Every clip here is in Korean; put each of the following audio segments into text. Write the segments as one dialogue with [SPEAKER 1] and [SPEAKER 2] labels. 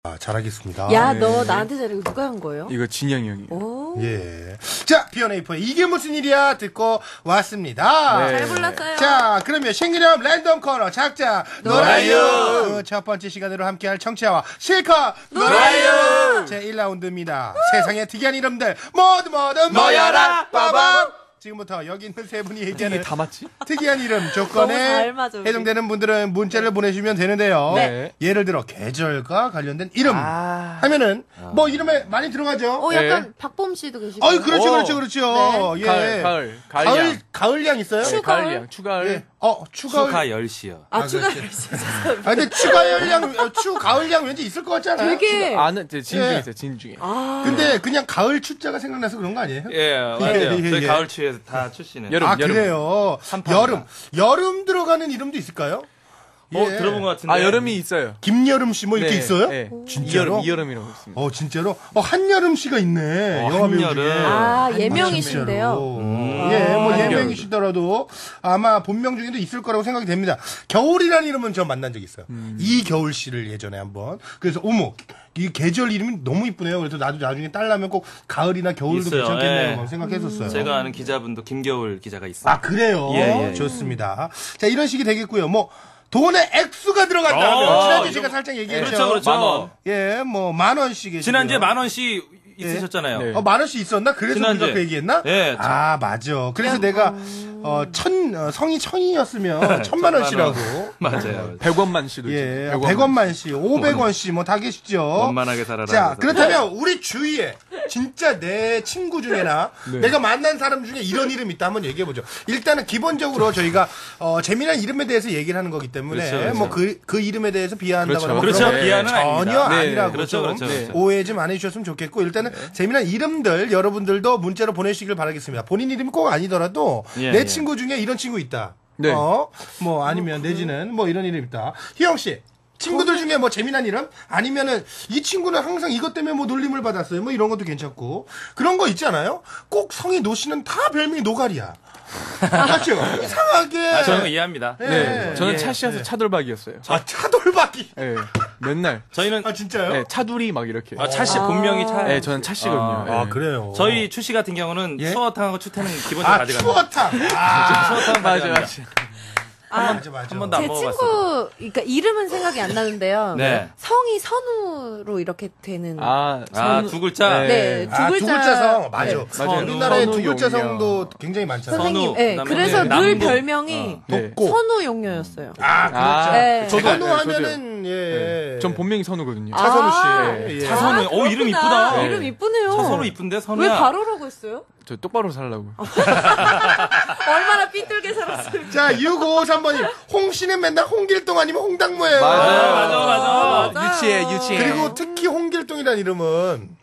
[SPEAKER 1] 잘하겠습니다.
[SPEAKER 2] 야, 너 나한테 잘해. 누가 한 거예요?
[SPEAKER 3] 이거 진영이 형이.
[SPEAKER 2] 오.
[SPEAKER 1] 예. 자, B1A4의 이게 무슨 일이야 듣고 왔습니다.
[SPEAKER 3] 네.
[SPEAKER 2] 잘 불렀어요.
[SPEAKER 1] 자, 그러면 신기념 랜덤 코너 작자 놀아요. 첫 번째 시간으로 함께할 청취자와 실컷 놀아요. 제 1라운드입니다. 세상에 특이한 이름들 모두 모여라. 빠밤. 지금부터 여기 있는 세 분이 얘기하는
[SPEAKER 3] 다 맞지?
[SPEAKER 1] 특이한 이름
[SPEAKER 2] 너무
[SPEAKER 1] 조건에
[SPEAKER 2] 잘 맞아, 우리.
[SPEAKER 1] 해당되는 분들은 문자를 보내주시면 되는데요.
[SPEAKER 3] 네.
[SPEAKER 1] 예를 들어 계절과 관련된 이름 하면은 뭐 이름에 많이 들어가죠.
[SPEAKER 2] 약간 박범 씨도 계시고.
[SPEAKER 1] 그렇죠. 예. 가을량 있어요?
[SPEAKER 3] 네, 가을량, 추가을.
[SPEAKER 1] 예. 추가을.
[SPEAKER 4] 추가 10시요.
[SPEAKER 2] 추가
[SPEAKER 1] 그렇지. 근데 추가을량 왠지 있을 것 같지 않아요?
[SPEAKER 2] 되게.
[SPEAKER 3] 아는, 진 중에 있어요, 진 중에.
[SPEAKER 1] 근데 그냥 가을 추자가 생각나서 그런 거 아니에요?
[SPEAKER 4] 예, 맞아요. 저희 가을 추위에서 다 출시는.
[SPEAKER 3] 여름.
[SPEAKER 1] 그래요. 여름 들어가는 이름도 있을까요?
[SPEAKER 4] 들어본 것 같은데.
[SPEAKER 3] 여름이 있어요.
[SPEAKER 1] 김여름 씨 뭐 이렇게 있어요?
[SPEAKER 3] 네.
[SPEAKER 1] 진짜로?
[SPEAKER 3] 이여름이라고 있습니다.
[SPEAKER 1] 진짜로? 한여름 씨가 있네. 영화 배우 중에.
[SPEAKER 2] 예명이신데요.
[SPEAKER 1] 예명이시더라도 아마 본명 중에도 있을 거라고 생각이 됩니다. 겨울이라는 이름은 저 만난 적 있어요. 이겨울 씨를 예전에 한번. 그래서 이 계절 이름이 너무 이쁘네요. 그래서 나도 나중에 딸라면 꼭 가을이나 겨울도
[SPEAKER 4] 있어요.
[SPEAKER 1] 괜찮겠네요.
[SPEAKER 4] 예.
[SPEAKER 1] 생각했었어요.
[SPEAKER 4] 제가 아는 기자분도 김겨울 기자가 있어요.
[SPEAKER 1] 그래요?
[SPEAKER 4] 예.
[SPEAKER 1] 좋습니다. 자, 이런 식이 되겠고요. 돈의 액수가 들어간다면 지난주에 제가 살짝 얘기했죠.
[SPEAKER 4] 그렇죠.
[SPEAKER 3] 만원.
[SPEAKER 1] 예, 10,000원씩.
[SPEAKER 4] 지난주에 10,000원씩 있으셨잖아요.
[SPEAKER 3] 네.
[SPEAKER 1] 10,000원씩 있었나? 그래서
[SPEAKER 4] 지난주에.
[SPEAKER 1] 우리가 그 얘기했나?
[SPEAKER 4] 네.
[SPEAKER 1] 맞아. 그래서 내가 성이 1,000이었으면 1,000,000원씩이라고.
[SPEAKER 4] 맞아요.
[SPEAKER 3] 100원만 씨도
[SPEAKER 1] 예,
[SPEAKER 3] 있죠.
[SPEAKER 1] 100원만씩, 500원씩 뭐 다 계시죠.
[SPEAKER 4] 원만하게 살아라.
[SPEAKER 1] 자, 그렇다면 우리 주위에 진짜 내 친구 중에나 내가 만난 사람 중에 이런 이름 있다 한번 얘기해 보죠. 일단은 기본적으로 저희가 재미난 이름에 대해서 얘기를 하는 거기 때문에
[SPEAKER 4] 그렇죠.
[SPEAKER 1] 그 이름에 대해서 비하한다거나
[SPEAKER 4] 그렇죠.
[SPEAKER 1] 그런 건
[SPEAKER 4] 비하는
[SPEAKER 1] 전혀
[SPEAKER 4] 아닙니다.
[SPEAKER 1] 아니라고
[SPEAKER 4] 그렇죠.
[SPEAKER 1] 좀 오해 좀 안 해주셨으면 좋겠고 일단은 재미난 이름들 여러분들도 문자로 보내시길 바라겠습니다. 본인 이름이 꼭 아니더라도 내 친구 중에 이런 친구 있다.
[SPEAKER 3] 네.
[SPEAKER 1] 아니면 내지는 이런 이름 있다. 희영 씨. 친구들 중에 재미난 이름? 아니면은, 이 친구는 항상 이것 때문에 놀림을 받았어요. 이런 것도 괜찮고. 그런 거 있잖아요? 꼭 성이 노씨는 다 별명이 노가리야. 맞죠? 이상하게.
[SPEAKER 4] 저는 거 이해합니다.
[SPEAKER 3] 네. 저는 차씨여서 차돌박이였어요.
[SPEAKER 1] 차돌박이.
[SPEAKER 3] 네. 맨날.
[SPEAKER 4] 저희는.
[SPEAKER 1] 진짜요?
[SPEAKER 3] 네, 차두리 막 이렇게.
[SPEAKER 4] 차씨 본명이 차.
[SPEAKER 3] 네, 저는 차씨거든요.
[SPEAKER 1] 그래요.
[SPEAKER 4] 저희 추씨 같은 경우는 추어탕하고 추태는 기본적으로 가져갑니다.
[SPEAKER 1] 추어탕.
[SPEAKER 4] 추어탕
[SPEAKER 3] 맞아.
[SPEAKER 1] 맞아.
[SPEAKER 4] 한 번도 안
[SPEAKER 2] 제
[SPEAKER 4] 먹어봤어요.
[SPEAKER 2] 친구, 그러니까 이름은 생각이 안 나는데요.
[SPEAKER 4] 네.
[SPEAKER 2] 성이 선우로 이렇게 되는.
[SPEAKER 4] 두 글자?
[SPEAKER 2] 네, 두 글자.
[SPEAKER 1] 두 글자 성. 맞아.
[SPEAKER 3] 네, 맞아요.
[SPEAKER 1] 우리나라에 두 글자
[SPEAKER 3] 선우,
[SPEAKER 1] 성도 굉장히 많잖아요.
[SPEAKER 2] 선생님,
[SPEAKER 4] 선우,
[SPEAKER 2] 그래서
[SPEAKER 4] 네,
[SPEAKER 2] 늘
[SPEAKER 4] 남궁.
[SPEAKER 2] 별명이
[SPEAKER 1] 덥고.
[SPEAKER 2] 선우 용녀였어요.
[SPEAKER 1] 그렇죠.
[SPEAKER 2] 네.
[SPEAKER 1] 선우 하면은,
[SPEAKER 3] 전 본명이 선우거든요.
[SPEAKER 1] 차선우 씨.
[SPEAKER 4] 차선우. 이름 이쁘다.
[SPEAKER 2] 이름 이쁘네요.
[SPEAKER 4] 차선우 이쁜데, 선우야.
[SPEAKER 2] 왜 가로라고 했어요?
[SPEAKER 3] 저 똑바로 살라고.
[SPEAKER 2] 얼마나 삐뚤게 살았어요.
[SPEAKER 1] 자, 6553번님. 홍 씨는 맨날 홍길동 아니면 홍당무예요.
[SPEAKER 4] 맞아.
[SPEAKER 3] 유치해.
[SPEAKER 1] 그리고 특히 홍길동이라는 이름은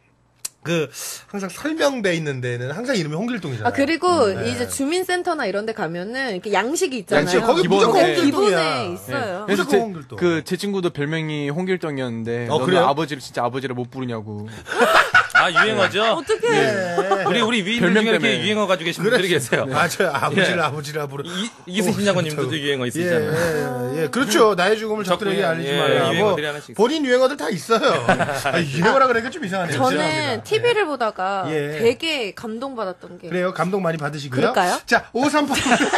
[SPEAKER 1] 항상 설명돼 있는 데는 항상 이름이 홍길동이잖아요.
[SPEAKER 2] 그리고 이제 주민센터나 이런 데 가면은 이렇게 양식이 있잖아요.
[SPEAKER 1] 양식, 거기 무조건 홍길동이야.
[SPEAKER 2] 기본에 있어요.
[SPEAKER 3] 그래서
[SPEAKER 1] 무조건 홍길동.
[SPEAKER 3] 제 친구도 별명이 홍길동이었는데 너는
[SPEAKER 1] 그래요?
[SPEAKER 3] 아버지를 못 부르냐고.
[SPEAKER 4] 유행어죠?
[SPEAKER 2] 어떡해.
[SPEAKER 4] 우리 위인들
[SPEAKER 3] 별명
[SPEAKER 4] 중에 이렇게
[SPEAKER 3] 때문에.
[SPEAKER 4] 유행어 가지고 계신 분들이 계세요.
[SPEAKER 1] 맞아요. 아버지라 부르.
[SPEAKER 4] 이승신 장관님도 유행어 있으시잖아요.
[SPEAKER 1] 예. 그렇죠. 나의 죽음을 적들에게 알리지 말라.
[SPEAKER 4] 유행어들이 하나씩 있어요.
[SPEAKER 1] 본인 유행어들 다 있어요. 유행어라 그러니까 좀 이상하네요.
[SPEAKER 2] 저는
[SPEAKER 1] 죄송합니다.
[SPEAKER 2] TV를 보다가
[SPEAKER 1] 예.
[SPEAKER 2] 되게 감동받았던 게.
[SPEAKER 1] 그래요. 감동 많이 받으시고요.
[SPEAKER 2] 그럴까요?
[SPEAKER 1] 자, 538.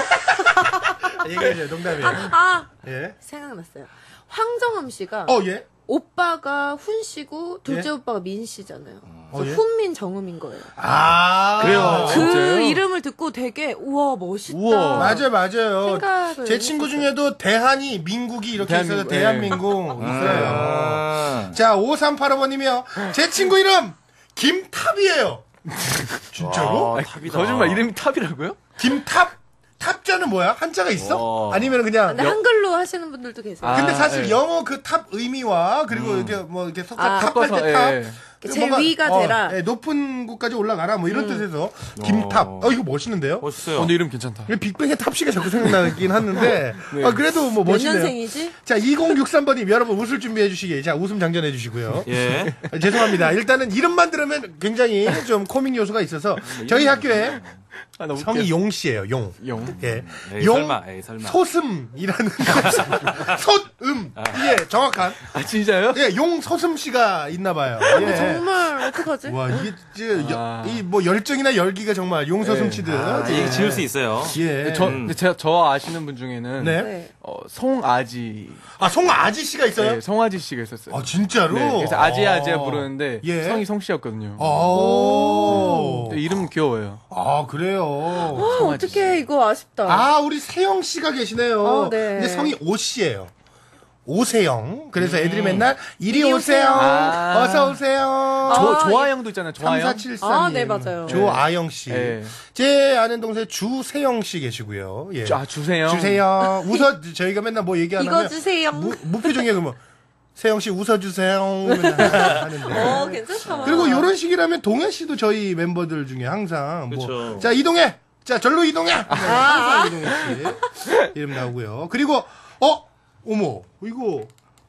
[SPEAKER 1] 얘기해줘요. 농담이에요. 예.
[SPEAKER 2] 생각났어요. 황정음 씨가
[SPEAKER 1] 예.
[SPEAKER 2] 오빠가 훈 씨고 둘째 오빠가 민 씨잖아요. 그래서
[SPEAKER 1] 예?
[SPEAKER 2] 훈민 정음인 거예요.
[SPEAKER 1] 그래요.
[SPEAKER 2] 그
[SPEAKER 3] 진짜요?
[SPEAKER 2] 이름을 듣고 되게 우와 멋있다.
[SPEAKER 3] 우와.
[SPEAKER 1] 맞아요.
[SPEAKER 2] 생각을
[SPEAKER 1] 제 친구
[SPEAKER 2] 했었어요.
[SPEAKER 1] 중에도 대한이 민국이 이렇게 있어서
[SPEAKER 3] 대한민국.
[SPEAKER 1] 대한민국 있어요. 자, 5385번님이요. 제 친구 이름 김탑이에요. 진짜로?
[SPEAKER 4] 탑이다.
[SPEAKER 3] 거짓말 이름이 탑이라고요?
[SPEAKER 1] 김탑? 탑자는 뭐야? 한자가 있어? 아니면 그냥
[SPEAKER 2] 근데 한글로 하시는 분들도 계세요.
[SPEAKER 1] 근데 사실
[SPEAKER 3] 네.
[SPEAKER 1] 영어 그 탑 의미와 그리고 이렇게 이렇게 탑할
[SPEAKER 3] 섞어서,
[SPEAKER 1] 때 탑.
[SPEAKER 3] 예.
[SPEAKER 2] 제일 위가 되라.
[SPEAKER 1] 높은 곳까지 올라가라 뭐 이런 뜻에서 김탑. 이거 멋있는데요?
[SPEAKER 4] 멋있어요.
[SPEAKER 3] 근데 이름 괜찮다.
[SPEAKER 1] 빅뱅의 탑씨가 자꾸 생각나긴 하는데 그래도 뭐
[SPEAKER 2] 몇
[SPEAKER 1] 멋있네요.
[SPEAKER 2] 년생이지?
[SPEAKER 1] 자, 2063번님 여러분 웃을 준비해 주시기. 자, 웃음 장전해 주시고요.
[SPEAKER 4] 예.
[SPEAKER 1] 죄송합니다. 일단은 이름만 들으면 굉장히 좀 코믹 요소가 있어서 저희 학교에
[SPEAKER 3] 아, 너무
[SPEAKER 1] 성이 용 씨예요. 용.
[SPEAKER 3] 용.
[SPEAKER 1] 예.
[SPEAKER 4] 에이,
[SPEAKER 1] 용
[SPEAKER 4] 설마, 에이, 설마.
[SPEAKER 1] 소슴이라는 소음. 예, 정확한.
[SPEAKER 3] 아, 진짜요?
[SPEAKER 1] 예, 용 소슴 씨가 있나 봐요. 예.
[SPEAKER 2] 정말 어떡하지?
[SPEAKER 1] 와, 이게
[SPEAKER 3] 아.
[SPEAKER 1] 이 뭐 열정이나 열기가 정말 용 소슴 씨들.
[SPEAKER 4] 이게 지을 수 있어요.
[SPEAKER 1] 예.
[SPEAKER 3] 근데 저 아시는 분 중에는
[SPEAKER 1] 네.
[SPEAKER 2] 네.
[SPEAKER 3] 송아지.
[SPEAKER 1] 아, 송아지 씨가 있어요?
[SPEAKER 3] 네, 송아지 씨가 있었어요.
[SPEAKER 1] 아, 진짜로?
[SPEAKER 3] 네, 그래서 아지아지아 부르는데
[SPEAKER 1] 예.
[SPEAKER 3] 성이 송 씨였거든요.
[SPEAKER 1] 아.
[SPEAKER 3] 이름 귀여워요.
[SPEAKER 1] 아, 그래요.
[SPEAKER 2] 어떡해, 이거 아쉽다.
[SPEAKER 1] 아, 우리 세영 씨가 계시네요.
[SPEAKER 2] 네.
[SPEAKER 1] 근데 성이 오 씨예요. 오세영. 그래서 애들이 맨날 이리 오세요.
[SPEAKER 3] 아.
[SPEAKER 1] 어서 오세요.
[SPEAKER 3] 조아영도 있잖아요. 조아영.
[SPEAKER 1] 3473.
[SPEAKER 2] 아, 네, 맞아요.
[SPEAKER 1] 조아영 씨.
[SPEAKER 3] 네.
[SPEAKER 1] 제 아는 동생 주세영 씨 계시고요. 예.
[SPEAKER 3] 주세요.
[SPEAKER 1] 주세요. 웃어 저희가 맨날 뭐 얘기 안
[SPEAKER 2] 이거
[SPEAKER 1] 하면
[SPEAKER 2] 주세요.
[SPEAKER 1] 무표정이야 그러면 세영 씨 웃어 주세요. 맨날 하는데.
[SPEAKER 2] 괜찮다.
[SPEAKER 1] 그리고 요런 식이라면 동해 씨도 저희 멤버들 중에 항상 뭐
[SPEAKER 4] 그쵸.
[SPEAKER 1] 자, 이동해. 자, 절로 이동해. 네, 항상 이동해 씨 이름 나오고요. 그리고 어머, 이거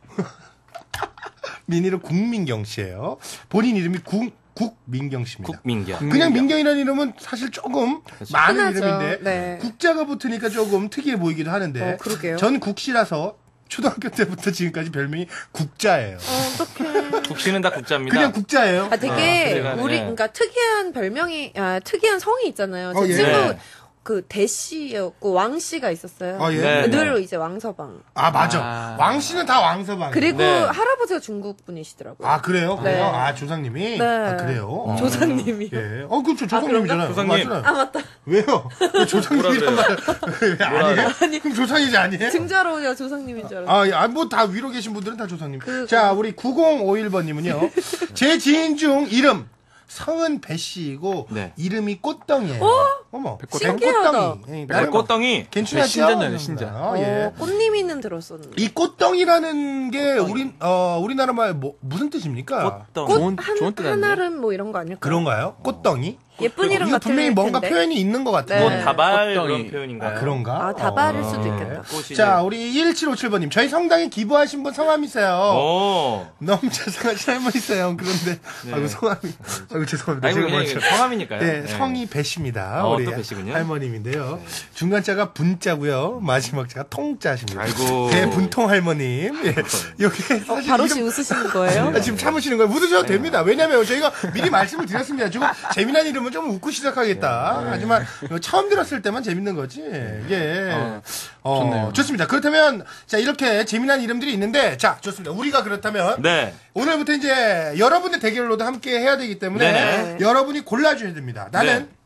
[SPEAKER 1] 미니로 국민경 씨예요. 본인 이름이 국민경 씨입니다.
[SPEAKER 4] 국민경.
[SPEAKER 1] 그냥 민경이라는 이름은 사실 조금 많은
[SPEAKER 2] 흔하죠.
[SPEAKER 1] 이름인데
[SPEAKER 2] 네.
[SPEAKER 1] 국자가 붙으니까 조금 특이해 보이기도 하는데
[SPEAKER 2] 그러게요.
[SPEAKER 1] 전 국씨라서 초등학교 때부터 지금까지 별명이 국자예요.
[SPEAKER 2] 어떡해.
[SPEAKER 4] 국시는 다 국자입니다.
[SPEAKER 1] 그냥 국자예요.
[SPEAKER 2] 아, 되게,
[SPEAKER 4] 제가, 네.
[SPEAKER 2] 그러니까 특이한 별명이, 특이한 성이 있잖아요. 제
[SPEAKER 1] 예.
[SPEAKER 2] 친구,
[SPEAKER 4] 네.
[SPEAKER 2] 그, 대씨였고, 왕씨가 있었어요.
[SPEAKER 1] 예.
[SPEAKER 4] 네.
[SPEAKER 2] 늘 이제 왕서방.
[SPEAKER 1] 아, 맞아.
[SPEAKER 3] 아.
[SPEAKER 1] 왕 씨는 다 왕서방.
[SPEAKER 2] 그리고
[SPEAKER 4] 네.
[SPEAKER 2] 할아버지가 중국 분이시더라고요.
[SPEAKER 1] 아, 그래요?
[SPEAKER 2] 네.
[SPEAKER 1] 그래요? 아, 조상님이?
[SPEAKER 2] 네.
[SPEAKER 1] 아, 그래요?
[SPEAKER 2] 조상님이요.
[SPEAKER 1] 예. 그렇죠. 조상님이잖아요.
[SPEAKER 4] 조상님.
[SPEAKER 1] 맞잖아요.
[SPEAKER 2] 아, 맞다.
[SPEAKER 1] 왜요? 왜 조상님이란
[SPEAKER 4] 뭐라
[SPEAKER 1] 말, 왜 아니에요? 그럼 조상이지 아니에요?
[SPEAKER 2] 증자로 조상님인 줄 알았어요.
[SPEAKER 1] 뭐 다 위로 계신 분들은 다 조상님.
[SPEAKER 2] 그-
[SPEAKER 1] 자, 우리 9051번님은요. 제 지인 중 이름 성은 배씨이고
[SPEAKER 4] 네.
[SPEAKER 1] 이름이 꽃덩이에요. 어머,
[SPEAKER 2] 신기하다.
[SPEAKER 1] 백꽃덩이. 예, 나름
[SPEAKER 4] 꽃덩이.
[SPEAKER 1] 괜찮죠?
[SPEAKER 3] 신자녀네, 신자.
[SPEAKER 1] 예.
[SPEAKER 2] 꽃님이는 들었었는데.
[SPEAKER 1] 이 꽃덩이라는 게 우리나라 말 무슨 뜻입니까?
[SPEAKER 4] 꽃덩이.
[SPEAKER 3] 좋은 뜻 아니에요?
[SPEAKER 2] 한알은 뭐 이런 거 아닐까요?
[SPEAKER 1] 그런가요? 꽃덩이?
[SPEAKER 2] 예쁜 이름
[SPEAKER 1] 이거
[SPEAKER 2] 같은
[SPEAKER 1] 분명히 뭔가
[SPEAKER 2] 텐데.
[SPEAKER 1] 표현이 있는 것 같아요.
[SPEAKER 2] 네.
[SPEAKER 4] 뭐 다발
[SPEAKER 3] 꽃덩이.
[SPEAKER 4] 그런 표현인가요?
[SPEAKER 1] 그런가?
[SPEAKER 2] 아, 다발일 수도 있겠다.
[SPEAKER 4] 꽃이
[SPEAKER 1] 자, 우리 1757번님. 저희 성당에 기부하신 분 성함이세요.
[SPEAKER 4] 오.
[SPEAKER 1] 너무 죄송하신 할머니세요. 그런데, 아이고, 성함이. 아이고, 죄송합니다.
[SPEAKER 4] 아이고
[SPEAKER 1] 제가
[SPEAKER 4] 그냥
[SPEAKER 1] 먼저.
[SPEAKER 4] 이게 성함이니까요.
[SPEAKER 1] 네,
[SPEAKER 4] 네.
[SPEAKER 1] 성이 배씨입니다.
[SPEAKER 4] 또
[SPEAKER 1] 우리
[SPEAKER 4] 배씨군요.
[SPEAKER 1] 할머님인데요. 중간자가 분자고요. 마지막 자가 통자십니다.
[SPEAKER 4] 아이고.
[SPEAKER 1] 대분통 할머님. 예. 여기 사실
[SPEAKER 2] 바로
[SPEAKER 1] 이름-
[SPEAKER 2] 웃으시는 거예요?
[SPEAKER 1] 아, 지금 참으시는 거예요. 웃으셔도 됩니다. 왜냐면 저희가 미리 말씀을 드렸습니다. 지금 재미난 이름은 좀 웃고 시작하겠다. 하지만 처음 들었을 때만 재밌는 거지. 예.
[SPEAKER 3] 좋네요.
[SPEAKER 1] 좋습니다. 그렇다면 자, 이렇게 재미난 이름들이 있는데 자, 좋습니다. 우리가 그렇다면
[SPEAKER 4] 네.
[SPEAKER 1] 오늘부터 이제 여러분의 대결로도 함께 해야 되기 때문에
[SPEAKER 4] 네.
[SPEAKER 1] 여러분이 골라줘야 됩니다. 나는
[SPEAKER 4] 네.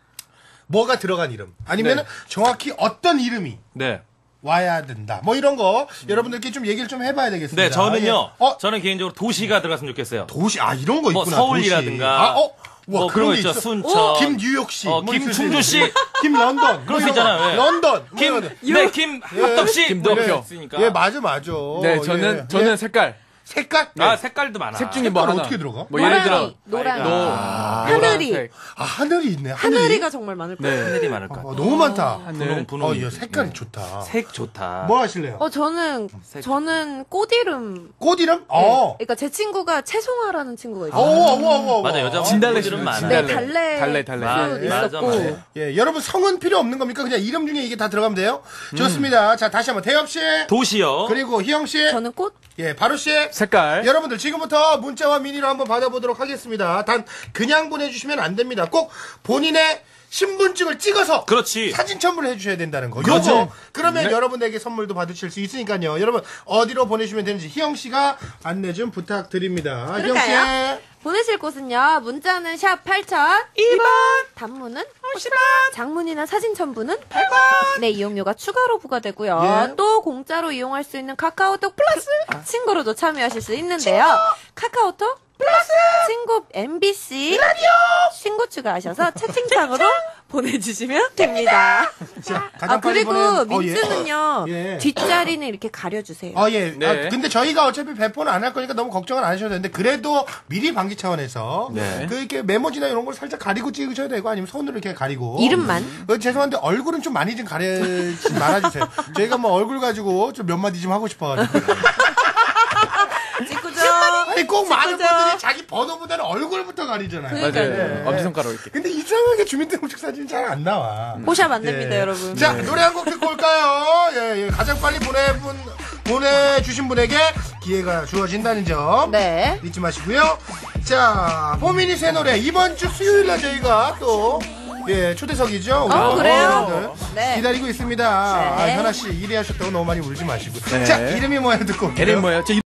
[SPEAKER 1] 뭐가 들어간 이름 아니면
[SPEAKER 4] 네.
[SPEAKER 1] 정확히 어떤 이름이
[SPEAKER 4] 네.
[SPEAKER 1] 와야 된다. 뭐 이런 거 여러분들께 좀 얘기를 좀 해봐야 되겠습니다.
[SPEAKER 4] 네, 저는요.
[SPEAKER 1] 예.
[SPEAKER 4] 저는 개인적으로 도시가 들어갔으면 좋겠어요.
[SPEAKER 1] 도시 이런 거
[SPEAKER 4] 뭐
[SPEAKER 1] 있구나.
[SPEAKER 4] 서울이라든가.
[SPEAKER 1] 도시. 와,
[SPEAKER 4] 뭐 그런 거 있죠.
[SPEAKER 1] 있어.
[SPEAKER 4] 순천.
[SPEAKER 1] 김뉴욕시,
[SPEAKER 4] 김충주시.
[SPEAKER 1] 김런던,
[SPEAKER 4] 그런 거 있잖아요. 예.
[SPEAKER 1] 런던,
[SPEAKER 4] 김 합덕씨.
[SPEAKER 3] 김덕표.
[SPEAKER 4] 뭐 있으니까.
[SPEAKER 1] 예, 맞아.
[SPEAKER 3] 네, 저는
[SPEAKER 1] 예.
[SPEAKER 3] 색깔.
[SPEAKER 1] 색깔.
[SPEAKER 4] 색깔도 많아.
[SPEAKER 3] 색 중에 뭐
[SPEAKER 1] 색깔
[SPEAKER 3] 하나.
[SPEAKER 1] 어떻게 들어가?
[SPEAKER 3] 뭐 예를 들어
[SPEAKER 2] 노랑이. 하늘이.
[SPEAKER 3] 노란색.
[SPEAKER 1] 하늘이 있네.
[SPEAKER 2] 하늘이가 정말 많을 거예요.
[SPEAKER 3] 네.
[SPEAKER 4] 하늘이 많을 것 같아.
[SPEAKER 1] 너무 많다.
[SPEAKER 3] 하늘.
[SPEAKER 4] 분홍.
[SPEAKER 1] 이 색깔이 좋다.
[SPEAKER 4] 색 좋다.
[SPEAKER 1] 뭐 하실래요?
[SPEAKER 2] 저는 꽃 이름.
[SPEAKER 1] 꽃 이름?
[SPEAKER 2] 그러니까 제 친구가 채송아라는 친구가 있어요.
[SPEAKER 4] 맞아, 여자
[SPEAKER 3] 진달래
[SPEAKER 4] 분들은
[SPEAKER 3] 씨는
[SPEAKER 4] 많아.
[SPEAKER 2] 네,
[SPEAKER 3] 진달래.
[SPEAKER 2] 달래.
[SPEAKER 4] 맞아,
[SPEAKER 2] 있었고.
[SPEAKER 4] 맞아.
[SPEAKER 1] 예, 여러분 성은 필요 없는 겁니까? 그냥 이름 중에 이게 다 들어가면 돼요? 좋습니다. 자, 다시 한번 태엽 씨.
[SPEAKER 4] 도시요.
[SPEAKER 1] 그리고 희영 씨.
[SPEAKER 2] 저는 꽃?
[SPEAKER 1] 예, 바로 씨.
[SPEAKER 3] 색깔.
[SPEAKER 1] 여러분들 지금부터 문자와 미니로 한번 받아보도록 하겠습니다. 단 그냥 보내주시면 안 됩니다. 꼭 본인의 신분증을 찍어서
[SPEAKER 4] 그렇지.
[SPEAKER 1] 사진 첨부를 해주셔야 된다는 거.
[SPEAKER 4] 그렇죠.
[SPEAKER 1] 요거 그러면 여러분에게 선물도 받으실 수 있으니까요. 여러분 어디로 보내주시면 되는지 희영 씨가 안내 좀 부탁드립니다. 희영
[SPEAKER 2] 그럴까요?
[SPEAKER 1] 씨.
[SPEAKER 2] 보내실 곳은요. 문자는 샵 8001번. 단문은 50원. 장문이나 사진 첨부는 100원. 네, 이용료가 추가로 부과되고요.
[SPEAKER 1] 예.
[SPEAKER 2] 또 공짜로 이용할 수 있는 카카오톡 플러스 친구로도 참여하실 수 있는데요. 카카오톡 플러스 친구 MBC 라디오 친구 추가하셔서 채팅창으로 보내주시면 됩니다.
[SPEAKER 1] 자, 가장 빨리
[SPEAKER 2] 그리고
[SPEAKER 1] 보내는-
[SPEAKER 2] 민트는요.
[SPEAKER 1] 예.
[SPEAKER 2] 뒷자리는 이렇게 가려주세요.
[SPEAKER 1] 예.
[SPEAKER 3] 네.
[SPEAKER 1] 근데 저희가 어차피 배포는 안 할 거니까 너무 걱정은 안 하셔도 되는데, 그래도 미리 방지 차원에서,
[SPEAKER 4] 네.
[SPEAKER 1] 그, 이렇게 메모지나 이런 걸 살짝 가리고 찍으셔야 되고, 아니면 손으로 이렇게 가리고.
[SPEAKER 2] 이름만.
[SPEAKER 1] 죄송한데, 얼굴은 좀 많이 좀 가리지 말아주세요. 저희가 뭐 얼굴 가지고 좀 몇 마디 좀 하고 싶어가지고.
[SPEAKER 2] 찍고죠.
[SPEAKER 1] 아니 꼭 많은
[SPEAKER 2] 그죠?
[SPEAKER 1] 분들이 자기 번호보다는 얼굴부터 가리잖아요.
[SPEAKER 3] 맞아요. 엄지손가락 이렇게.
[SPEAKER 1] 근데 이상하게 주민등록증 사진이 잘 안 나와.
[SPEAKER 2] 보샵 안 됩니다,
[SPEAKER 1] 예.
[SPEAKER 2] 여러분.
[SPEAKER 1] 자, 노래 한 곡 듣고 올까요? 예, 가장 빨리 보내주신 분에게 기회가 주어진다는 점.
[SPEAKER 2] 네.
[SPEAKER 1] 잊지 마시고요. 자, 포미니 새 노래. 이번 주 수요일날 저희가 또, 초대석이죠. 우리
[SPEAKER 2] 그래요?
[SPEAKER 1] 여러분들
[SPEAKER 2] 네.
[SPEAKER 1] 기다리고 있습니다.
[SPEAKER 2] 네.
[SPEAKER 1] 현아씨 1위 하셨다고 너무 많이 울지 마시고.
[SPEAKER 3] 네.
[SPEAKER 1] 자, 이름이 뭐예요? 듣고 올게요.
[SPEAKER 3] 이름이 뭐예요?